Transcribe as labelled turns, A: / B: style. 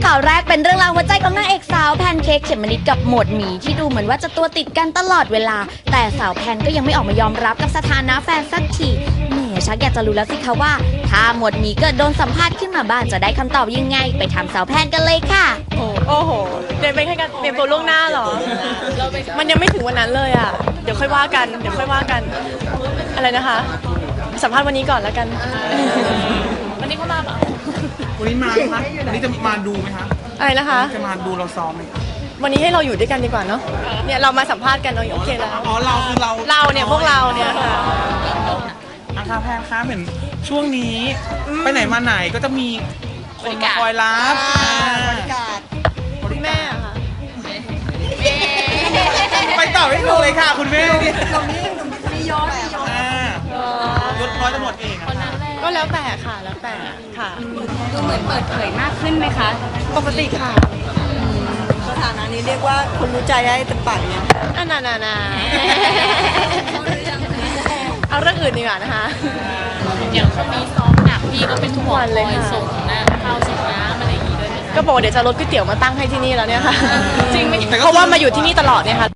A: ข่าวแรกเป็นเรื่องราวหัวใจของนางเอกสาวแพนเค้กเขมมะนิดกับหมวดหมีที่ดูเหมือนว่าจะตัวติดกันตลอดเวลาแต่สาวแพนก็ยังไม่ออกมายอมรับกับสถานะแฟนสักทีแหมชักอยากจะรู้แล้วสิคะว่าถ้าหมวดหมีเกิดโดนสัมภาษณ์ขึ้นมาบ้างจะได้คำตอบยังไงไปถามสาวแพนกันเลยค่ะ
B: โอ้โหเตรียมไปแค่การเตรียมตัวล่วงหน้าเหรอมันยังไม่ถึงวันนั้นเลยอ่ะเดี๋ยวค่อยว่ากันอะไรนะคะสัมภาษณ์วันนี้ก่อนแล้วกันวันนี้เขามาเปล่า
C: วันนี้มาไหมคะวันนี้จะมาดูไหมคะ
B: อะไรนะคะ
C: จะมาดูเราซ้อมไหม
B: วันนี้ให้เราอยู่ด้วยกันดีกว่าเนาะเนี่ยเรามาสัมภาษณ์กันเนาะโอเคแล้ว
C: อ๋อเราคือ
B: เราเนี่ยพวกเราเนี่ยค่ะ
C: อาคาแพนคะเหมือนช่วงนี้ไปไหนมาไหนก็จะมีคนมาคอยรับบริการ
B: คุณแม่ค่ะ
C: ไปต่อไม่ถูกเลยค่ะคุณแม่
D: มีย้อน
C: ยศร้อยตำรวจเอง
B: ก็แล้วแต่ค่ะแล้วแต่ค่ะ
D: ดูเหมือนเปิดเผยมากขึ้นไหมคะ
B: ปกติค่ะ
D: สถานะนี้เรียกว่าคนรู้ใจได้เต็มปากยัง
B: น่าเอาเรื่องอื่นดีกว่านะคะ
E: อย่างช่วงนี้ซ้อมหนักพี่ก็เป็นทุกวันเลยส่งนะข้าวส่งน้ำอะไรอย่างงี้ด้วย
B: ก็บอกเดี๋ยวจะรถก๋วยเตี๋ยวมาตั้งให้ที่นี่แล้วเนี่ยค่ะ
E: จริงไหม
B: เพราะว่ามาอยู่ที่นี่ตลอดเนี่ยค่ะ